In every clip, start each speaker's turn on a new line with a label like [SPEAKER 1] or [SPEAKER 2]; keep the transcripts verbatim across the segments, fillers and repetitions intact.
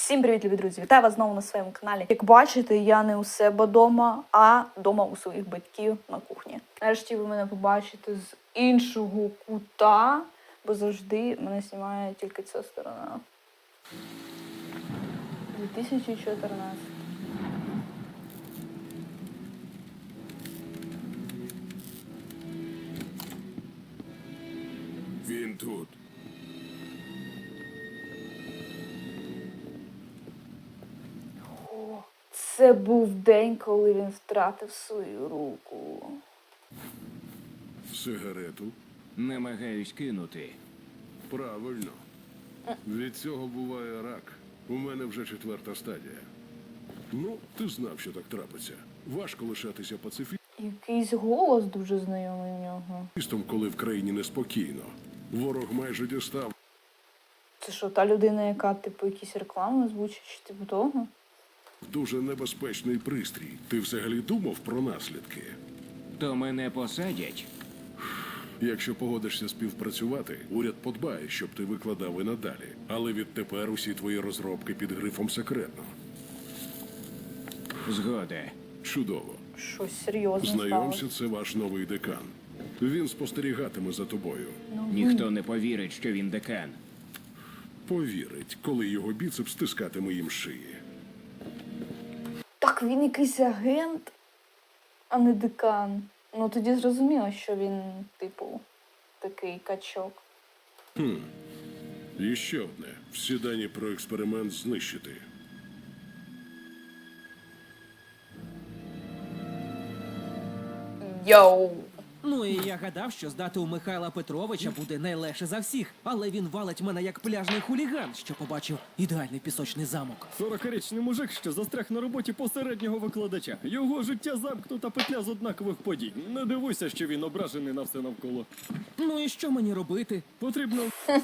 [SPEAKER 1] Всім привіт, любі друзі! Вітаю вас знову на своєму каналі. Як бачите, я не у себе вдома, а вдома у своїх батьків на кухні. Нарешті ви мене побачите з іншого кута, бо завжди мене знімає тільки ця сторона. дві тисячі чотирнадцятий.
[SPEAKER 2] Він тут.
[SPEAKER 1] О, це був день, коли він втратив свою руку.
[SPEAKER 2] Сигарету?
[SPEAKER 3] Намагаюсь кинути.
[SPEAKER 2] Правильно. Від цього буває рак. У мене вже четверта стадія. Ну, ти знав, що так трапиться. Важко лишатися пацифістом,
[SPEAKER 1] Якийсь голос дуже знайомий в нього.
[SPEAKER 2] коли в країні неспокійно. Ворог майже дістав.
[SPEAKER 1] Це що, та людина, яка, типу, якісь реклами озвучить, чи типу того?
[SPEAKER 2] Дуже небезпечний пристрій. Ти взагалі думав про наслідки?
[SPEAKER 3] То мене посадять.
[SPEAKER 2] Якщо погодишся співпрацювати, уряд подбає, щоб ти викладав і надалі. Але відтепер усі твої розробки під грифом секретно.
[SPEAKER 3] Згода.
[SPEAKER 2] Чудово.
[SPEAKER 1] Щось серйозне
[SPEAKER 2] Знайомся,
[SPEAKER 1] сталося.
[SPEAKER 2] це ваш новий декан. Він спостерігатиме за тобою.
[SPEAKER 3] Ніхто не повірить, що він декан.
[SPEAKER 2] Повірить, коли його біцепс стискатиме їм шиї.
[SPEAKER 1] Так, він якийсь агент, а не декан. Ну, тоді зрозуміло, що він, типу, такий качок.
[SPEAKER 2] Хм. І ще одне. Всі дані про експеримент знищити.
[SPEAKER 1] Йоу!
[SPEAKER 4] Ну і я гадав, що здати у Михайла Петровича буде найлегше за всіх, але він валить мене як пляжний хуліган, що побачив ідеальний пісочний замок.
[SPEAKER 5] сорокарічний мужик, що застряг на роботі посереднього викладача. Його життя замкнута петля з однакових подій. Не дивуйся, що він ображений на все навколо.
[SPEAKER 4] Ну і що мені робити?
[SPEAKER 5] Потрібно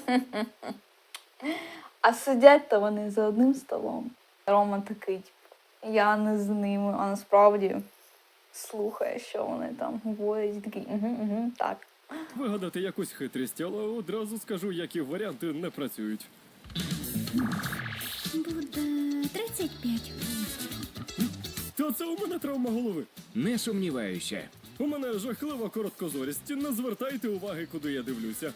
[SPEAKER 1] А сидять-то вони за одним столом. Рома такий, типу, я не з ними, а насправді слухає, що вони там говорять, і такий, угу, угу, так.
[SPEAKER 5] вигадати якусь хитрість, але одразу скажу, які варіанти не працюють.
[SPEAKER 6] Буде тридцять п'ять.
[SPEAKER 5] Та це у мене травма голови.
[SPEAKER 3] Не сумніваюся.
[SPEAKER 5] У мене жахлива короткозорість. Не звертайте уваги, куди я дивлюся.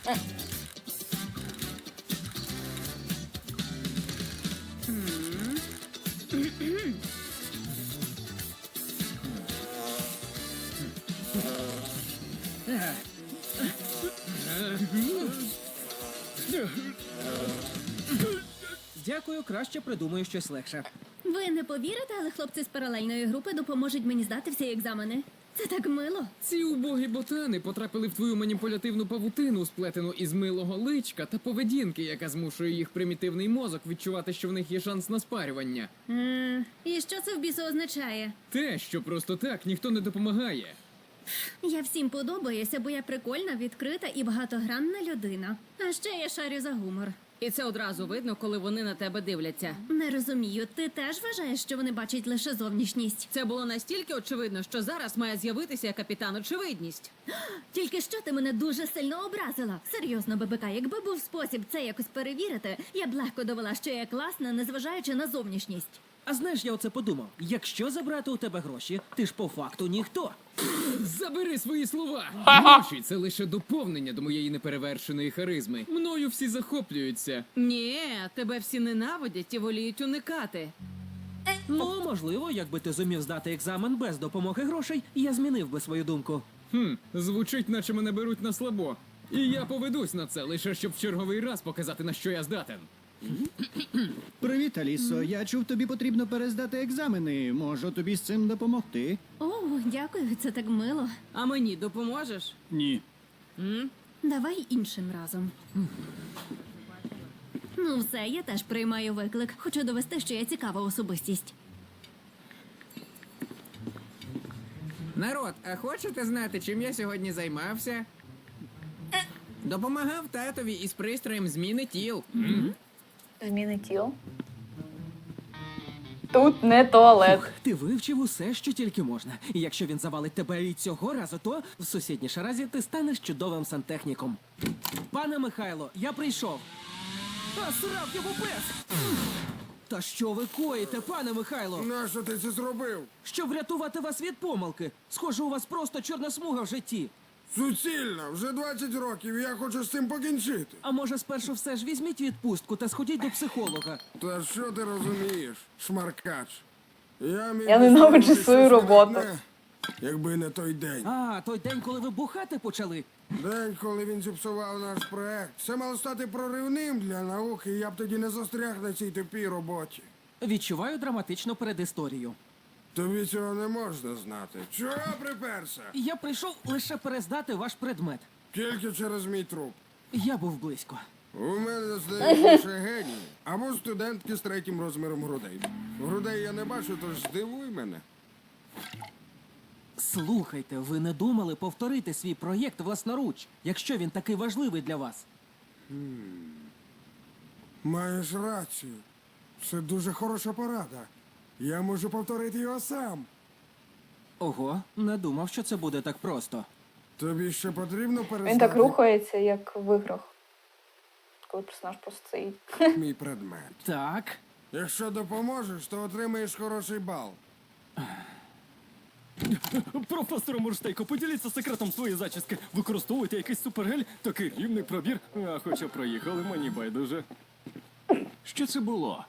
[SPEAKER 4] Дякую, краще придумаю щось легше.
[SPEAKER 6] Ви не повірите, але хлопці з паралельної групи допоможуть мені здати всі екзамени. Це так мило.
[SPEAKER 7] Ці убогі ботани потрапили в твою маніпулятивну павутину, сплетену із милого личка та поведінки, яка змушує їх примітивний мозок відчувати, що в них є шанс на спарювання.
[SPEAKER 6] Е, і що це в бісу означає?
[SPEAKER 7] Те, що просто так ніхто не допомагає.
[SPEAKER 6] Я всім подобаюся, бо я прикольна, відкрита і багатогранна людина. А ще я шарю за гумор.
[SPEAKER 8] І це одразу видно, коли вони на тебе дивляться.
[SPEAKER 6] Не розумію, ти теж вважаєш, що вони бачать лише зовнішність?
[SPEAKER 8] Це було настільки очевидно, що зараз має з'явитися капітан очевидність.
[SPEAKER 6] Тільки що ти мене дуже сильно образила. Серйозно, ББК, якби був спосіб це якось перевірити, я б легко довела, що я класна, незважаючи на зовнішність.
[SPEAKER 4] А знаєш, я оце подумав. Якщо забрати у тебе гроші, ти ж по факту ніхто.
[SPEAKER 7] Забери свої слова! Гроші – це лише доповнення до моєї неперевершеної харизми. Мною всі захоплюються.
[SPEAKER 8] Ні, тебе всі ненавидять і воліють уникати.
[SPEAKER 4] Ну, можливо, якби ти зумів здати екзамен без допомоги грошей, я змінив би свою думку.
[SPEAKER 7] Хм, звучить, наче мене беруть на слабо. І я поведусь на це, лише щоб в черговий раз показати, на що я здатен.
[SPEAKER 9] Привіт, Алісо. Я чув, тобі потрібно перездати екзамени. Можу тобі з цим допомогти?
[SPEAKER 6] О, дякую, це так мило.
[SPEAKER 8] А мені допоможеш?
[SPEAKER 9] Ні.
[SPEAKER 6] Давай іншим разом. Ну все, я теж приймаю виклик. Хочу довести, що я цікава особистість.
[SPEAKER 10] Народ, а хочете знати, чим я сьогодні займався? Допомагав татові із пристроєм зміни тіл.
[SPEAKER 1] Зміни тіл. Тут не туалет.
[SPEAKER 4] Ти вивчив усе, що тільки можна. І якщо він завалить тебе і цього разу, то в сусідній шаразі ти станеш чудовим сантехніком. Пане Михайло, я прийшов. А, срав його пес! Та що ви коїте, пане Михайло?
[SPEAKER 11] Нащо ти це зробив?
[SPEAKER 4] Щоб врятувати вас від помилки. Схоже, у вас просто чорна смуга в житті.
[SPEAKER 11] Суцільно, вже двадцять років, і я хочу з цим покінчити.
[SPEAKER 4] А може, спершу все ж візьміть відпустку та сходіть до психолога.
[SPEAKER 11] Та що ти розумієш, шмаркач? Я, міг
[SPEAKER 1] Я
[SPEAKER 11] би
[SPEAKER 1] ненавиджу
[SPEAKER 11] зробити
[SPEAKER 1] свою
[SPEAKER 11] щось
[SPEAKER 1] роботу.
[SPEAKER 11] видатне, якби не той день.
[SPEAKER 4] А, той день, коли ви бухати почали.
[SPEAKER 11] День, коли він зіпсував наш проект. Це мало стати проривним для науки, і я б тоді не застряг на цій тупій роботі.
[SPEAKER 4] Відчуваю драматичну передісторію.
[SPEAKER 11] Тобі цього не можна знати. Чого приперся?
[SPEAKER 4] Я прийшов лише перездати ваш предмет.
[SPEAKER 11] Тільки через мій труп.
[SPEAKER 4] Я був близько.
[SPEAKER 11] У мене, здається, лише генії. Або студентки з третім розміром грудей. Грудей я не бачу, тож здивуй мене.
[SPEAKER 4] Слухайте, ви не думали повторити свій проєкт власноруч, якщо він такий важливий для вас?
[SPEAKER 11] Маєш рацію. Це дуже хороша порада. Я можу повторити його сам.
[SPEAKER 4] Ого, не думав, що це буде так просто.
[SPEAKER 11] Тобі ще потрібно перездати
[SPEAKER 1] Він так рухається, як в іграх. Коли персонаж просто стоїть.
[SPEAKER 11] мій предмет.
[SPEAKER 4] Так.
[SPEAKER 11] Якщо допоможеш, то отримаєш хороший бал.
[SPEAKER 5] Професоре Мурштейко, поділіться секретом своєї зачіски. Використовуйте якийсь супергель, такий рівний пробір. А хоча проїхали, мені байдуже.
[SPEAKER 3] Що це було?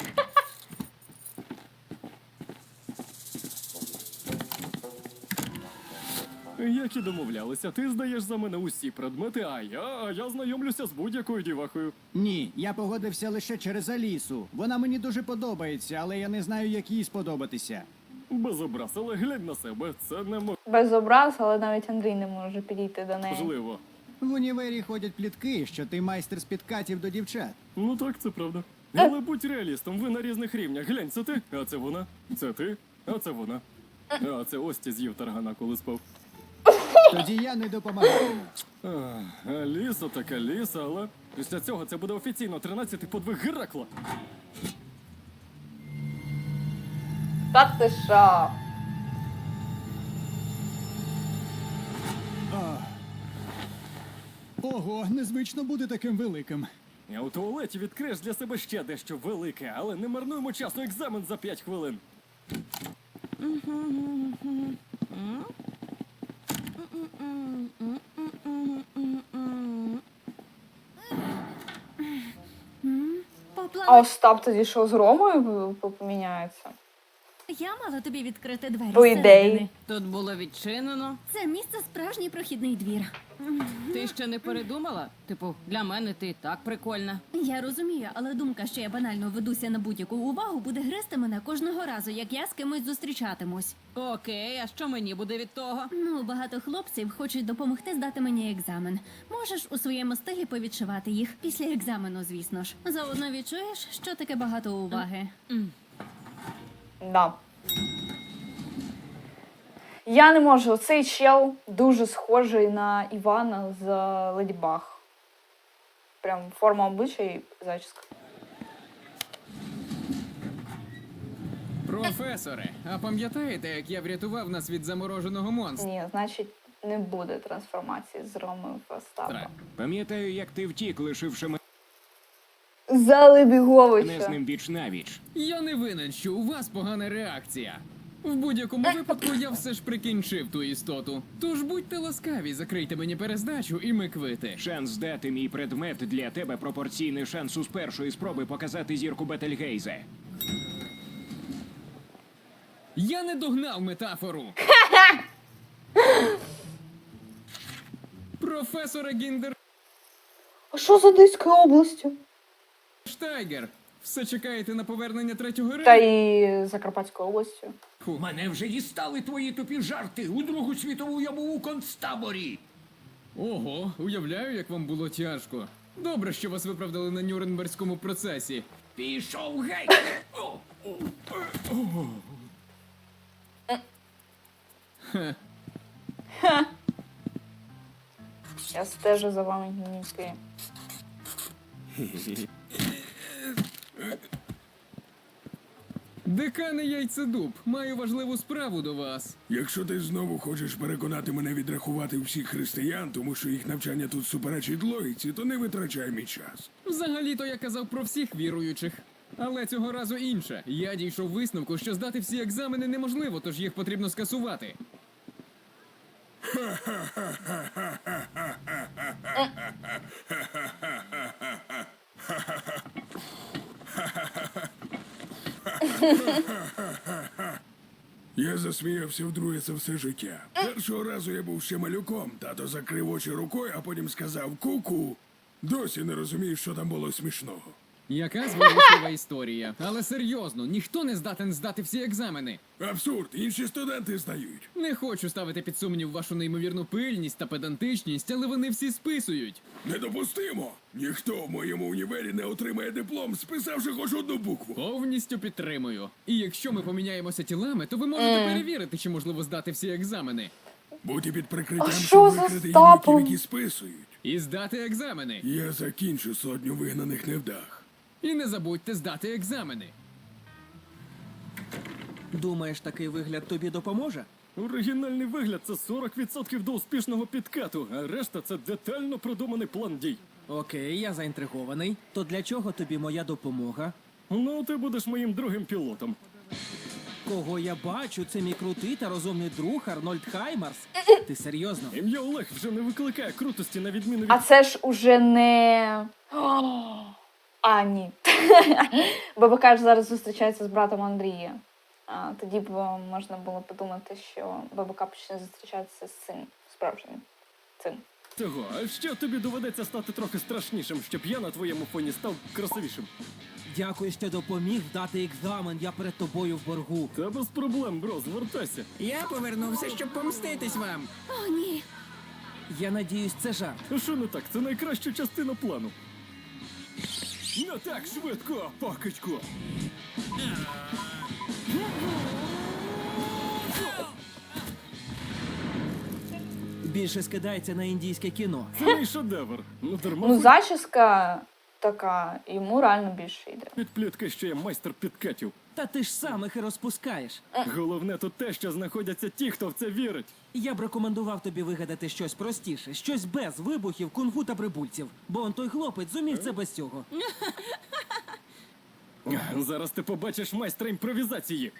[SPEAKER 5] Як і домовлялися, ти здаєш за мене усі предмети, а я, а я знайомлюся з будь-якою дівахою.
[SPEAKER 9] Ні, я погодився лише через Алісу. Вона мені дуже подобається, але я не знаю, як їй сподобатися.
[SPEAKER 5] Без образ, але глянь на себе, це
[SPEAKER 1] Без образ, але навіть Андрій не може підійти до неї.
[SPEAKER 5] неможливо.
[SPEAKER 9] В універі ходять плітки, що ти майстер з підкатів до дівчат.
[SPEAKER 5] Ну так, це правда. Але будь реалістом, ви на різних рівнях. Глянь, це ти, а це вона, це ти, а це вона. А це Ості з'їв таргана, коли спав.
[SPEAKER 9] Тоді я не допомагатиму.
[SPEAKER 5] Ах, Аліса так Аліса, але після цього це буде офіційно тринадцятий подвиг Геракла.
[SPEAKER 1] Та ти що?
[SPEAKER 9] Ого, незвично бути таким великим.
[SPEAKER 5] А у туалеті відкриєш для себе ще дещо велике, але не марнуємо часу, екзамен за п'ять хвилин.
[SPEAKER 1] А
[SPEAKER 6] Поплава.
[SPEAKER 1] Остап тоді що, з Ромою поміняється?
[SPEAKER 6] Я мала тобі відкрити двері.
[SPEAKER 1] По ідеї.
[SPEAKER 6] зсередини.
[SPEAKER 8] Тут було відчинено.
[SPEAKER 6] Це місце справжній прохідний двір.
[SPEAKER 8] Ти ще не передумала? Типу, для мене ти і так прикольна.
[SPEAKER 6] Я розумію, але думка, що я банально ведуся на будь-яку увагу, буде гризти мене кожного разу, як я з кимось зустрічатимусь.
[SPEAKER 8] Окей, а що мені буде від того?
[SPEAKER 6] Ну, багато хлопців хочуть допомогти здати мені екзамен. Можеш у своєму стилі повідшивати їх після екзамену, звісно ж. Заодно відчуєш, що таке багато уваги.
[SPEAKER 1] Да. Я не можу. Цей чел дуже схожий на Івана з Леді Баг. Прям форма обличчя і зачіска.
[SPEAKER 7] Професоре, а пам'ятаєте, як я врятував нас від замороженого монстра?
[SPEAKER 1] Ні, значить, не буде трансформації з Роми в Остапа.
[SPEAKER 3] Пам'ятаю, як ти втік, лишивши мене
[SPEAKER 1] Залебіговича.
[SPEAKER 3] з ним віч навіч.
[SPEAKER 7] Я не винен, що у вас погана реакція. В будь-якому випадку я все ж прикінчив ту істоту. Тож будьте ласкаві, закрийте мені перездачу і ми квити.
[SPEAKER 3] Шанс здати мій предмет для тебе пропорційний шансу з першої спроби показати зірку Бетельгейзе.
[SPEAKER 7] Я не догнав метафору. Професоре Гіндер
[SPEAKER 1] А що з Одеською областю?
[SPEAKER 7] Штайгер, все чекаєте на повернення третього
[SPEAKER 1] Та
[SPEAKER 7] рейху?
[SPEAKER 1] і Закарпатською областю.
[SPEAKER 3] Мене вже дістали твої тупі жарти. У Другу світову я був у концтаборі.
[SPEAKER 7] Ого, уявляю, як вам було тяжко. Добре, що вас виправдали на Нюрнберзькому процесі.
[SPEAKER 3] Пішов геть!
[SPEAKER 1] Я стежу за вами гнівки.
[SPEAKER 7] Декане Яйцедуб, маю важливу справу до вас.
[SPEAKER 2] Якщо ти знову хочеш переконати мене відрахувати всіх християн, тому що їх навчання тут суперечить логіці, то не витрачай мій час.
[SPEAKER 7] Взагалі-то я казав про всіх віруючих. Але цього разу інше. Я дійшов висновку, що здати всі екзамени неможливо, тож їх потрібно скасувати.
[SPEAKER 2] Я засміявся вдруге за все життя. Першого разу я був ще малюком, тато закрив очі рукою, а потім сказав ку-ку. Досі не розумію, що там було смішного.
[SPEAKER 7] Яка зворушлива історія. Але серйозно, ніхто не здатен здати всі екзамени.
[SPEAKER 2] Абсурд, інші студенти здають.
[SPEAKER 7] Не хочу ставити під сумнів вашу неймовірну пильність та педантичність, але вони всі списують.
[SPEAKER 2] Недопустимо! Ніхто в моєму універі не отримає диплом, списавши хоч одну букву.
[SPEAKER 7] Повністю підтримую. І якщо ми поміняємося тілами, то ви можете перевірити, чи можливо здати всі екзамени.
[SPEAKER 2] Будьте під прикриттям,
[SPEAKER 1] А що
[SPEAKER 2] щоб
[SPEAKER 1] за
[SPEAKER 2] викрити
[SPEAKER 1] стапом?
[SPEAKER 2] юнаків, які списують.
[SPEAKER 7] І здати екзамени.
[SPEAKER 2] Я закінчу сотню вигнаних невдах.
[SPEAKER 7] І не забудьте здати екзамени.
[SPEAKER 4] Думаєш, такий вигляд тобі допоможе?
[SPEAKER 5] Оригінальний вигляд це сорок відсотків до успішного підкату, а решта це детально продуманий план дій.
[SPEAKER 4] Окей, я заінтригований. То для чого тобі моя допомога?
[SPEAKER 5] Ну, ти будеш моїм другим пілотом.
[SPEAKER 4] Кого я бачу, це мій крутий та розумний друг Арнольд Хаймарс. Ти серйозно?
[SPEAKER 5] Ім'я Олег вже не викликає крутості на відміну від...
[SPEAKER 1] А це ж уже не. О, а, ні. ББК ж зараз зустрічається з братом Андрія. А, тоді б можна було подумати, що ББК почне зустрічатися з цим справжнім. Цим.
[SPEAKER 5] Цього, а ще тобі доведеться стати трохи страшнішим, щоб я на твоєму фоні став красивішим.
[SPEAKER 4] Дякую, що допоміг дати екзамен, я перед тобою в боргу.
[SPEAKER 5] Та без проблем, бро, звертайся.
[SPEAKER 10] Я повернувся, щоб помститись вам.
[SPEAKER 6] О, ні.
[SPEAKER 4] Я надіюсь, це жарт.
[SPEAKER 5] А що не так? Це найкраща частина плану. Не так швидко, пакочку!
[SPEAKER 4] Більше скидається на індійське кіно.
[SPEAKER 5] Це мій шедевр. Ну, дарма
[SPEAKER 1] Ну,
[SPEAKER 5] хоч
[SPEAKER 1] зачіска така, йому реально більше йде.
[SPEAKER 5] підплітка, що я майстер підкатів.
[SPEAKER 4] Та ти ж сам їх і розпускаєш.
[SPEAKER 5] Головне тут те, що знаходяться ті, хто в це вірить.
[SPEAKER 4] Я б рекомендував тобі вигадати щось простіше, щось без вибухів, кунг-фу та прибульців. Бо он той хлопець зумів це без цього.
[SPEAKER 5] Зараз ти побачиш майстра імпровізації.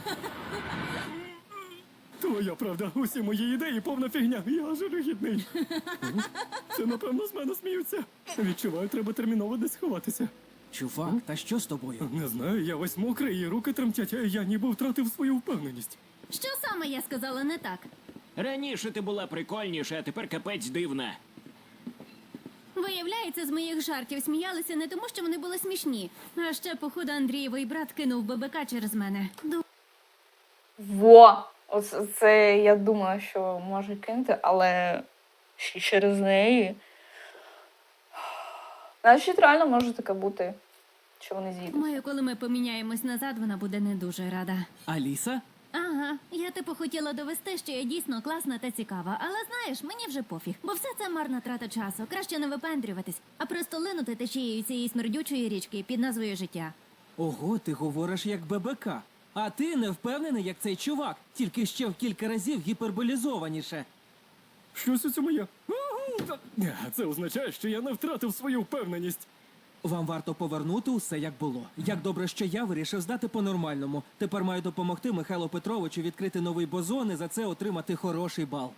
[SPEAKER 5] Твоя правда, усі мої ідеї повна фігня. Я жалюгідний. Це, напевно, з мене сміються. Відчуваю, треба терміново десь ховатися.
[SPEAKER 4] Чувак, та що з тобою?
[SPEAKER 5] Не знаю, я весь мокрий, і руки тремтять, а я ніби втратив свою впевненість.
[SPEAKER 6] Що саме я сказала не так?
[SPEAKER 3] Раніше ти була прикольніша, а тепер капець дивна.
[SPEAKER 6] Виявляється, з моїх жартів сміялися не тому, що вони були смішні. А ще, походу, Андрієвий брат кинув ББК через мене. Ду-
[SPEAKER 1] Во! Оце це я думаю, що може кинути, але ще через неї. Значить, реально може таке бути, що вони з'їдуть.
[SPEAKER 6] Маю, коли ми поміняємось назад, вона буде не дуже рада.
[SPEAKER 4] Аліса?
[SPEAKER 6] Ага, я типу хотіла довести, що я дійсно класна та цікава, але знаєш, мені вже пофіг, бо все це марна трата часу. Краще не випендрюватись, а просто линути течією цієї смердючої річки під назвою життя.
[SPEAKER 4] Ого, ти говориш як ББК. А ти не впевнений, як цей чувак, тільки ще в кілька разів гіперболізованіше.
[SPEAKER 5] Щось у цьому є. Це означає, що я не втратив свою впевненість.
[SPEAKER 4] Вам варто повернути усе, як було. Як добре, що я вирішив здати по-нормальному. Тепер маю допомогти Михайлу Петровичу відкрити новий бозон і за це отримати хороший бал.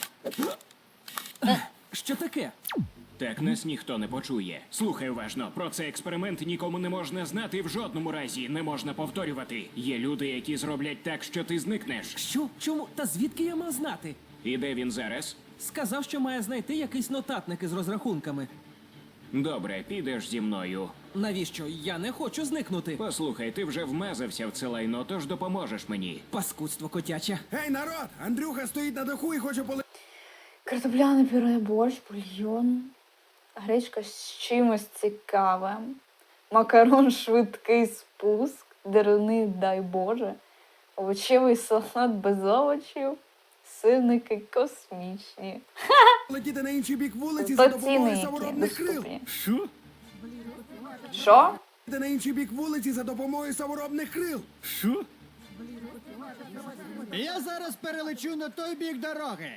[SPEAKER 4] Що таке?
[SPEAKER 3] Так нас ніхто не почує. Слухай уважно, про цей експеримент нікому не можна знати і в жодному разі не можна повторювати. Є люди, які зроблять так, що ти зникнеш.
[SPEAKER 4] Що? Чому? Та звідки я мав знати?
[SPEAKER 3] І де він зараз?
[SPEAKER 4] Сказав, що має знайти якийсь нотатник із розрахунками.
[SPEAKER 3] Добре, підеш зі мною.
[SPEAKER 4] Навіщо? Я не хочу зникнути.
[SPEAKER 3] Послухай, ти вже вмазався в це лайно, тож допоможеш мені.
[SPEAKER 4] Паскудство котяче.
[SPEAKER 11] Гей, народ! Андрюха стоїть на даху і хоче поли...
[SPEAKER 1] Картопляне пюре, борщ, бульйон, гречка з чимось цікавим, макарон швидкий спуск, деруни, дай Боже, овочевий салат без овочів, сирники космічні.
[SPEAKER 11] летіти на інший бік вулиці за допомогою
[SPEAKER 1] Доціни, які
[SPEAKER 11] саморобних крил.
[SPEAKER 1] доступні.
[SPEAKER 5] Що?
[SPEAKER 1] Що?
[SPEAKER 11] Летіти на інший бік вулиці за допомогою саморобних крил.
[SPEAKER 5] Що?
[SPEAKER 9] Я зараз перелечу на той бік дороги.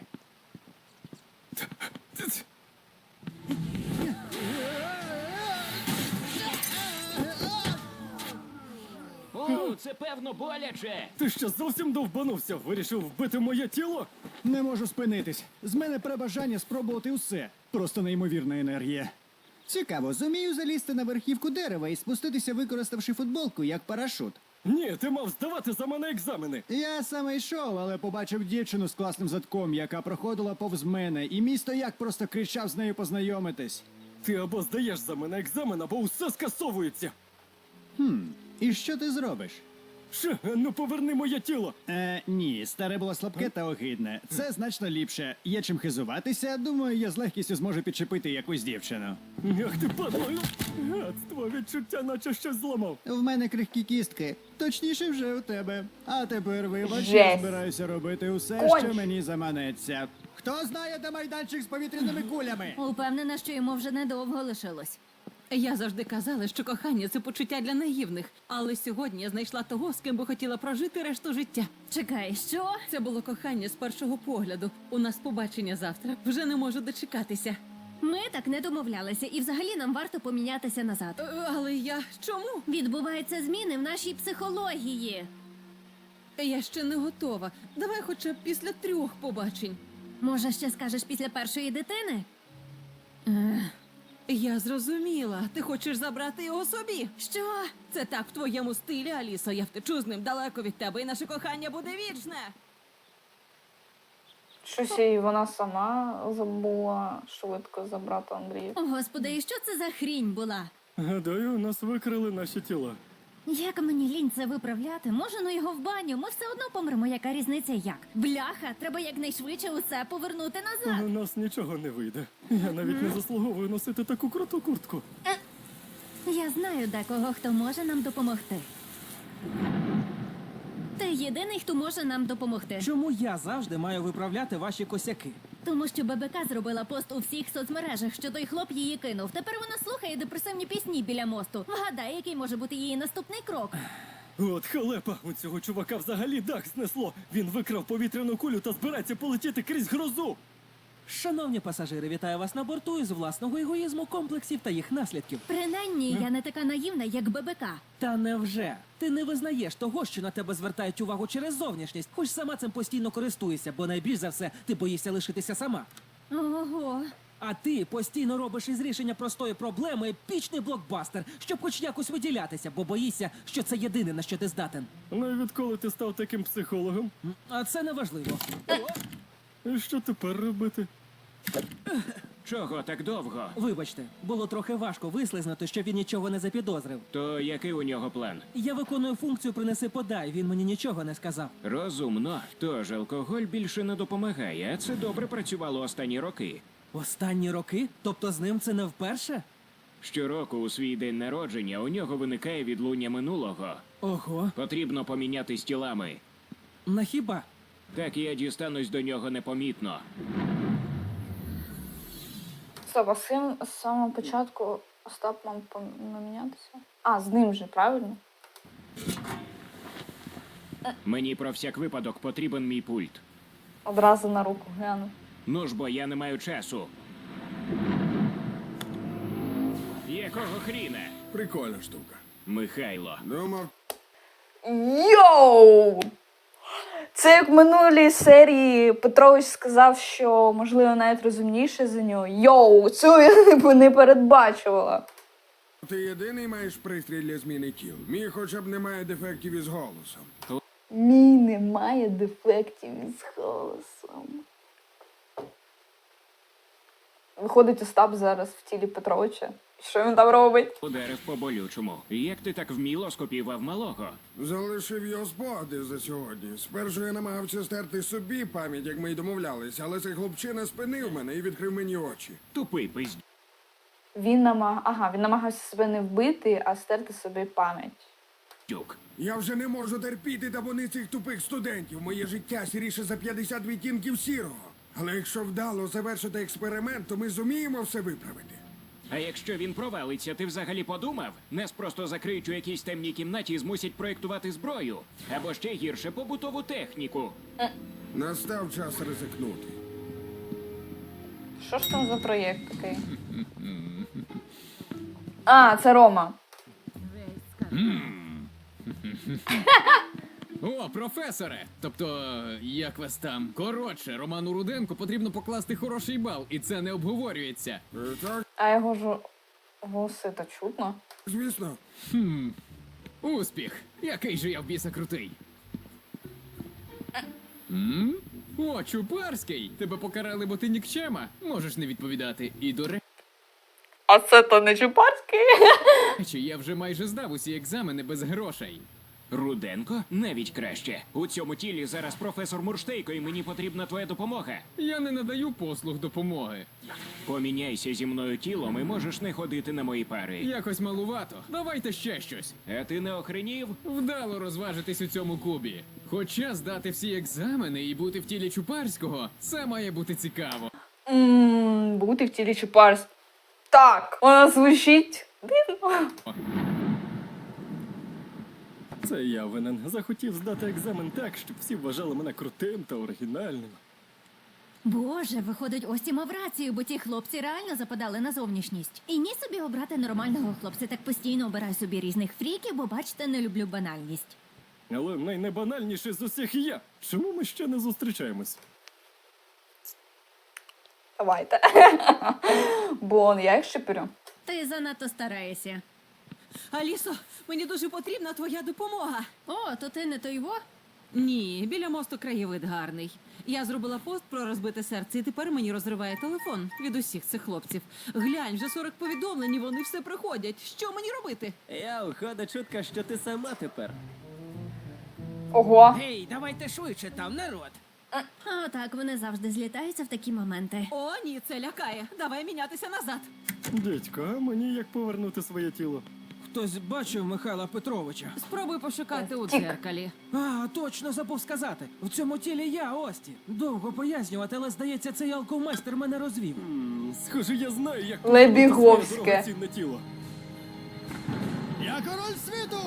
[SPEAKER 3] О, це певно боляче.
[SPEAKER 5] Ти що зовсім довбанувся? Вирішив вбити моє тіло?
[SPEAKER 9] Не можу спинитись. З мене пре бажання спробувати усе. Просто неймовірна енергія. Цікаво, зумію залізти на верхівку дерева і спуститися, використавши футболку як парашут.
[SPEAKER 5] Ні, ти мав здавати за мене екзамени.
[SPEAKER 9] Я саме йшов, але побачив дівчину з класним задком, яка проходила повз мене, і мій стояк просто кричав з нею познайомитись.
[SPEAKER 5] Ти або здаєш за мене екзамен, або усе скасовується.
[SPEAKER 9] Хм, і що ти зробиш?
[SPEAKER 5] Що? Ну поверни моє тіло.
[SPEAKER 9] Е, ні, старе було слабке та огидне. Це значно ліпше. Є чим хизуватися, думаю, я з легкістю зможу підчепити якусь дівчину.
[SPEAKER 5] Ах ти падло. Гадство, відчуття, наче щось зламав.
[SPEAKER 9] В мене крихкі кістки. Точніше, вже у тебе. А тепер вибач, я
[SPEAKER 1] Жесть.
[SPEAKER 9] збираюся робити усе,
[SPEAKER 1] Конч.
[SPEAKER 9] що мені заманеться. Хто знає, де майданчик з повітряними кулями?
[SPEAKER 6] Упевнена, що йому вже недовго лишилось.
[SPEAKER 8] Я завжди казала, що кохання це почуття для наївних. Але сьогодні я знайшла того, з ким би хотіла прожити решту життя.
[SPEAKER 6] Чекай, що?
[SPEAKER 8] Це було кохання з першого погляду. У нас побачення завтра. Вже не можу дочекатися.
[SPEAKER 6] Ми так не домовлялися, і взагалі нам варто помінятися назад.
[SPEAKER 8] Е, Але я чому?
[SPEAKER 6] Відбуваються зміни в нашій психології.
[SPEAKER 8] Я ще не готова. Давай хоча б після трьох побачень.
[SPEAKER 6] Може, ще скажеш після першої дитини?
[SPEAKER 8] Я зрозуміла. Ти хочеш забрати його собі?
[SPEAKER 6] Що?
[SPEAKER 8] Це так в твоєму стилі, Алісо. Я втечу з ним далеко від тебе, і наше кохання буде вічне.
[SPEAKER 1] Щось і вона сама забула швидко забрати Андрія.
[SPEAKER 6] О, Господи, і що це за хрінь була?
[SPEAKER 5] Гадаю, нас викрили наші тіла.
[SPEAKER 6] Як мені лінь це виправляти? Може, ну його в баню? Ми все одно помремо, яка різниця як? Бляха, треба якнайшвидше усе повернути назад.
[SPEAKER 5] У нас нічого не вийде. Я навіть не заслуговую носити таку круту куртку.
[SPEAKER 6] Я знаю декого, хто може нам допомогти. Ти єдиний, хто може нам допомогти.
[SPEAKER 4] Чому я завжди маю виправляти ваші косяки?
[SPEAKER 6] Тому що ББК зробила пост у всіх соцмережах, що той хлоп її кинув. Тепер вона слухає депресивні пісні біля мосту. Вгадай, який може бути її наступний крок.
[SPEAKER 5] От халепа, у цього чувака взагалі дах знесло. Він викрав повітряну кулю та збирається полетіти крізь грозу.
[SPEAKER 4] Шановні пасажири, вітаю вас на борту із власного егоїзму, комплексів та їх наслідків.
[SPEAKER 6] Принаймні, я не така наївна, як ББК.
[SPEAKER 4] Та невже? Ти не визнаєш того, що на тебе звертають увагу через зовнішність, хоч сама цим постійно користуєшся, бо найбільш за все ти боїшся лишитися сама.
[SPEAKER 6] Ого.
[SPEAKER 4] А ти постійно робиш із рішення простої проблеми епічний блокбастер, щоб хоч якось виділятися, бо боїшся, що це єдине, на що ти здатен.
[SPEAKER 5] Ну і відколи ти став таким психологом?
[SPEAKER 4] А це не важливо.
[SPEAKER 5] І що тепер робити?
[SPEAKER 3] Чого так довго?
[SPEAKER 4] Вибачте, було трохи важко вислизнути, що він нічого не запідозрив.
[SPEAKER 3] То який у нього план?
[SPEAKER 4] Я виконую функцію «принеси-подай», він мені нічого не сказав.
[SPEAKER 3] Розумно. Тож алкоголь більше не допомагає, а це добре працювало останні роки.
[SPEAKER 4] Останні роки? Тобто з ним це не вперше?
[SPEAKER 3] Щороку у свій день народження у нього виникає відлуння минулого.
[SPEAKER 4] Ого,
[SPEAKER 3] Потрібно помінятись тілами.
[SPEAKER 4] на хіба?
[SPEAKER 3] Так я дістанусь до нього непомітно.
[SPEAKER 1] Стоп, а з ким з самого початку Остап мав помінятися? А, з ним же, правильно?
[SPEAKER 3] Мені про всяк випадок потрібен мій пульт.
[SPEAKER 1] Одразу на руку гляну.
[SPEAKER 3] Ну ж бо я не маю часу. Якого хріна?
[SPEAKER 2] Прикольна штука.
[SPEAKER 3] Михайло.
[SPEAKER 11] Думав,
[SPEAKER 1] Йоу! Це як в минулій серії Петрович сказав, що можливо навіть розумніше за нього. Йоу, цю я б не передбачувала.
[SPEAKER 11] ти єдиний маєш пристрій для зміни тіл. Мій хоча б немає дефектів із голосом.
[SPEAKER 1] Мій немає дефектів із голосом. Виходить Остап зараз в тілі Петровича. Що він там робить?
[SPEAKER 3] Ударив по болючому. Як ти так вміло скопіював малого?
[SPEAKER 11] Залишив його спогади за сьогодні. Спершу я намагався стерти собі пам'ять, як ми й домовлялися, але цей хлопчина спинив мене і відкрив мені очі.
[SPEAKER 3] Тупий пиздюк.
[SPEAKER 1] Він намаг... ага, він намагався себе не вбити, а стерти собі пам'ять.
[SPEAKER 11] Я вже не можу терпіти табуни цих тупих студентів. Моє життя сіріше за п'ятдесят відтінків сірого. Але якщо вдало завершити експеримент, то ми зуміємо все виправити.
[SPEAKER 3] А якщо він провалиться, ти взагалі подумав? Нас просто закриють у якійсь темній кімнаті і змусять проєктувати зброю. Або ще гірше побутову техніку.
[SPEAKER 11] Настав час ризикнути.
[SPEAKER 1] Що ж там за проєкт такий? А, це Рома.
[SPEAKER 7] О, професоре! Тобто, як вас там? Коротше, Роману Руденку потрібно покласти хороший бал, і це не обговорюється.
[SPEAKER 11] Е, Так,
[SPEAKER 1] А його ж голоси то чутно.
[SPEAKER 11] звісно.
[SPEAKER 7] Хм. Успіх! Який же я в біса крутий. М? О, Чупарський! Тебе покарали, бо ти нікчема? Можеш не відповідати. І до
[SPEAKER 1] А це то не Чупарський?
[SPEAKER 7] речі, я вже майже здав усі екзамени без грошей.
[SPEAKER 3] Руденко? Навіть краще. У цьому тілі зараз професор Мурштейко, і мені потрібна твоя допомога.
[SPEAKER 7] Я не надаю послуг допомоги.
[SPEAKER 3] Поміняйся зі мною тілом і можеш не ходити на мої пари.
[SPEAKER 7] Якось малувато. Давайте ще щось.
[SPEAKER 3] А ти не охренів?
[SPEAKER 7] Вдало розважитись у цьому кубі. Хоча здати всі екзамени і бути в тілі Чупарського, це має бути цікаво.
[SPEAKER 1] Ммм, бути в тілі Чупарського. Так, вона звучить дивно.
[SPEAKER 5] Це я винен. Захотів здати екзамен так, щоб всі вважали мене крутим та оригінальним.
[SPEAKER 6] Боже, виходить, Ості мав рацію, бо ті хлопці реально западали на зовнішність. І ні собі обрати нормального хлопця, так постійно обираю собі різних фріків, бо бачите, не люблю банальність.
[SPEAKER 5] Але найнебанальніший з усіх я. Чому ми ще не зустрічаємось?
[SPEAKER 1] Давайте. Бон, я їх щеплю.
[SPEAKER 6] Ти занадто стараєшся.
[SPEAKER 8] Алісо, мені дуже потрібна твоя допомога.
[SPEAKER 6] О, то ти не той во?
[SPEAKER 8] Ні, біля мосту краєвид гарний. Я зробила пост про розбите серце, і тепер мені розриває телефон від усіх цих хлопців. Глянь, вже сорок повідомлень, і вони все приходять. Що мені робити?
[SPEAKER 4] Я уходить чутка, що ти сама тепер.
[SPEAKER 1] Ого.
[SPEAKER 4] Гей, давайте швидше там, народ.
[SPEAKER 6] А так вони завжди злітаються в такі моменти.
[SPEAKER 8] О, ні, це лякає. Давай мінятися назад.
[SPEAKER 5] Дідько, а мені як повернути своє тіло?
[SPEAKER 4] Хтось бачив Михайла Петровича?
[SPEAKER 8] Спробуй пошукати у
[SPEAKER 1] Тік.
[SPEAKER 8] дзеркалі.
[SPEAKER 4] А, точно забув сказати. В цьому тілі я, Ості. Довго пояснювати, але здається, цей алкомайстер мене розвів.
[SPEAKER 5] М, Схоже, я знаю, як
[SPEAKER 1] Лебіговське.
[SPEAKER 5] своє дорогоцінне тіло.
[SPEAKER 9] Я король світу!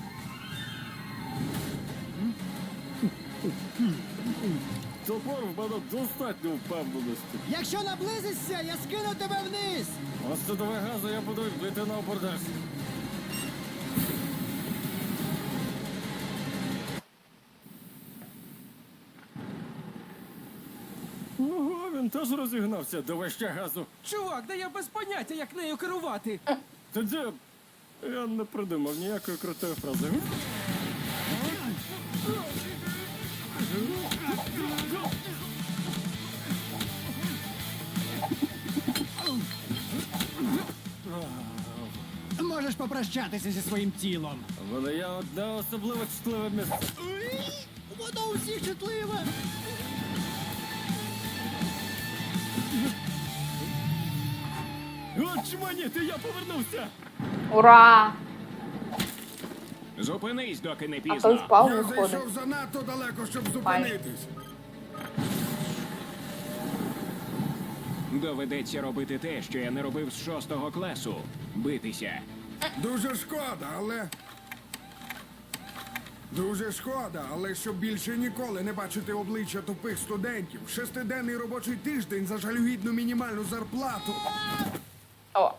[SPEAKER 5] Топор в мене достатньо впевненості.
[SPEAKER 9] Якщо наблизишся, я скину тебе вниз!
[SPEAKER 5] Ось це давай газу, я буду бити на абордаж. Ого, він теж розігнався. Давай ще газу.
[SPEAKER 4] Чувак, да я без поняття, як нею керувати.
[SPEAKER 5] Тоді я не придумав ніякої крутої фрази.
[SPEAKER 9] Можеш попрощатися зі своїм тілом.
[SPEAKER 5] Воно є одне особливо чутливе місце.
[SPEAKER 9] Воно у всіх чутливе.
[SPEAKER 5] От чманіти, я повернувся!
[SPEAKER 1] Ура!
[SPEAKER 3] Зупинись, доки не
[SPEAKER 1] А той
[SPEAKER 3] пізно.
[SPEAKER 1] впав
[SPEAKER 11] Я
[SPEAKER 1] виходить.
[SPEAKER 11] зайшов занадто далеко, щоб зупинитись.
[SPEAKER 3] Доведеться робити те, що я не робив з шостого класу. Битися.
[SPEAKER 11] Дуже шкода, але. Дуже шкода, але щоб більше ніколи не бачити обличчя тупих студентів. Шестиденний робочий тиждень за жалюгідну мінімальну зарплату.
[SPEAKER 1] О.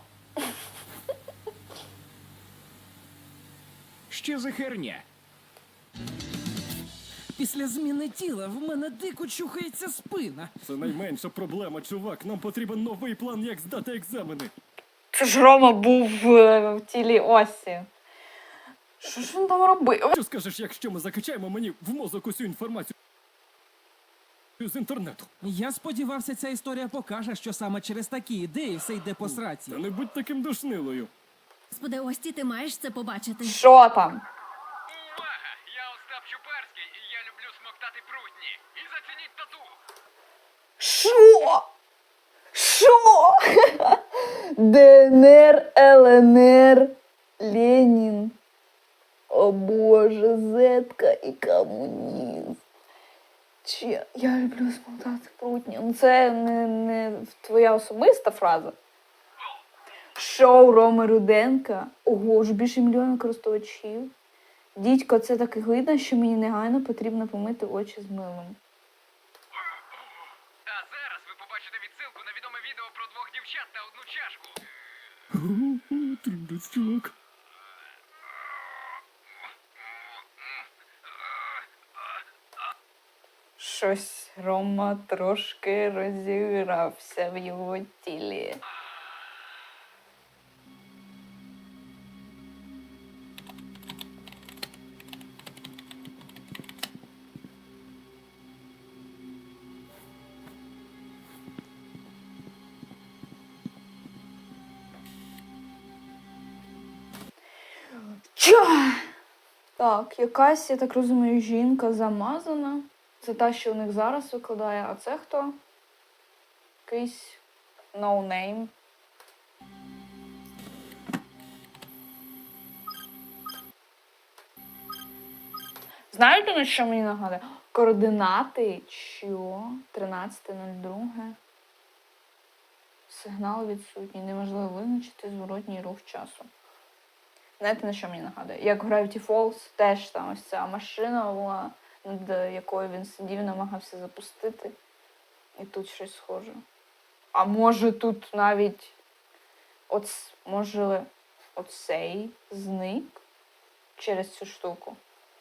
[SPEAKER 3] Що за херня?
[SPEAKER 4] Після зміни тіла в мене дико чухається спина.
[SPEAKER 5] Це найменша проблема, чувак. Нам потрібен новий план, як здати екзамени.
[SPEAKER 1] Це ж Рома був е, в тілі Осі. Що ж він там робив?
[SPEAKER 5] Що скажеш, якщо ми закачаємо мені в мозок усю інформацію з інтернету?
[SPEAKER 4] Я сподівався, ця історія покаже, що саме через такі ідеї все йде по сраці.
[SPEAKER 5] Та не будь таким душнилою.
[SPEAKER 6] Господи, Ості, ти маєш це побачити.
[SPEAKER 1] Що там?
[SPEAKER 7] Увага! Я Остап Чупарський, і я люблю смоктати прутні. І зацініть тату!
[SPEAKER 1] Що? Що? ДНР, ЛНР, Ленін. О боже, зетка і комунізм. Чи я люблю смотати прутні. Ну це не, не твоя особиста фраза. Шоу Роми Руденка. Ого, вже більше мільйона користувачів. Дідько, це так видно, що мені негайно потрібно помити очі з милом.
[SPEAKER 7] А зараз ви побачите відсилку на відоме відео про двох дівчат та одну чашку.
[SPEAKER 5] Трудець, чувак.
[SPEAKER 1] Щось Рома трошки розігрався в його тілі. Ча! Так, якась, я так розумію, жінка замазана. Це та, що у них зараз викладає. А це хто? Якийсь no-name. Знаєте, на що мені нагадує? Координати, що? тринадцяте нуль друге. Сигнал відсутній. Неможливо визначити зворотній рух часу. Знаєте, на що мені нагадує? Як в Gravity Falls, теж там ось ця машина була, над якою він сидів, намагався запустити. І тут щось схоже. А може тут навіть оц... може оцей зник через цю штуку.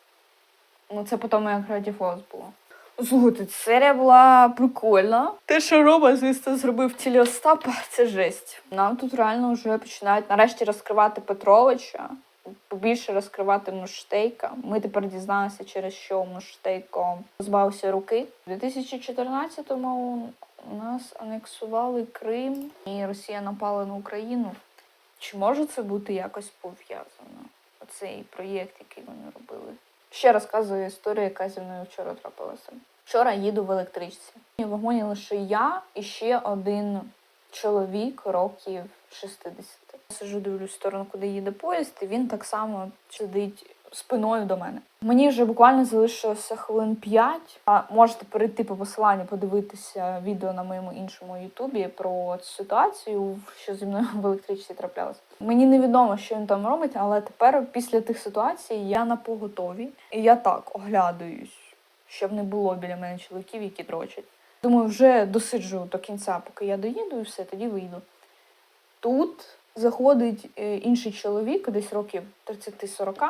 [SPEAKER 1] Ну це потім як Gravity Falls було. Слухайте, серія була прикольна. Те, що Рома, звісно, зробив тілі Остапа, це жесть. Нам тут реально вже починають нарешті розкривати Петровича, побільше розкривати Муштейка. Ми тепер дізналися, через що Муштейко позбавився руки. У дві тисячі чотирнадцятому у нас анексували Крим і Росія напала на Україну. Чи може це бути якось пов'язано? Оцей проєкт, який вони робили. Ще розказую історію, яка зі мною вчора трапилася. Вчора їду в електричці. В вагоні лише я і ще один чоловік років шістдесят. Сижу, дивлюсь в сторону, куди їде поїзд, і він так само сидить спиною до мене. Мені вже буквально залишилося хвилин п'ять. А можете перейти по посиланню, подивитися відео на моєму іншому ютубі про цю ситуацію, що зі мною в електричці траплялося. Мені невідомо, що він там робить, але тепер після тих ситуацій я на поготові. І я так оглядаюсь, щоб не було біля мене чоловіків, які дрочать. Думаю, вже досиджу до кінця, поки я доїду, і все, тоді вийду. Тут заходить інший чоловік, десь років тридцять-сорок.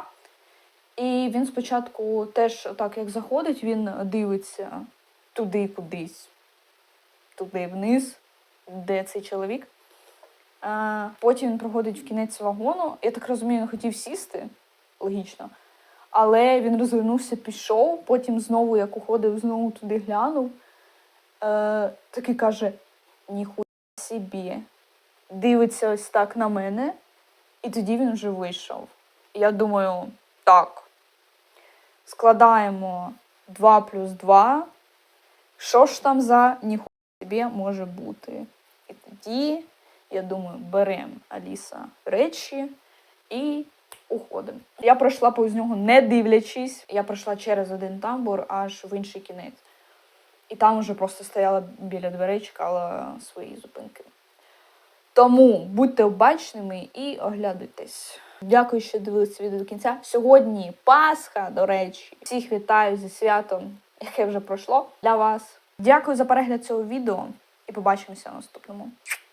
[SPEAKER 1] І він спочатку теж, так як заходить, він дивиться туди кудись, туди вниз, де цей чоловік. А потім він проходить в кінець вагону. Я так розумію, він хотів сісти, логічно. Але він розвернувся, пішов, потім знову, як уходив, знову туди глянув. Е, такий каже, ніхуя собі. Дивиться ось так на мене, і тоді він вже вийшов. Я думаю, так, складаємо два плюс два, що ж там за ніхуя собі може бути. І тоді, я думаю, беремо Аліса речі і уходимо. Я пройшла повз нього не дивлячись, я пройшла через один тамбур аж в інший кінець. І там вже просто стояла біля дверей, чекала свої зупинки. Тому будьте обачними і оглядуйтесь. Дякую, що дивилися відео до кінця. Сьогодні Пасха, до речі. Всіх вітаю зі святом, яке вже пройшло для вас. Дякую за перегляд цього відео і побачимося в наступному.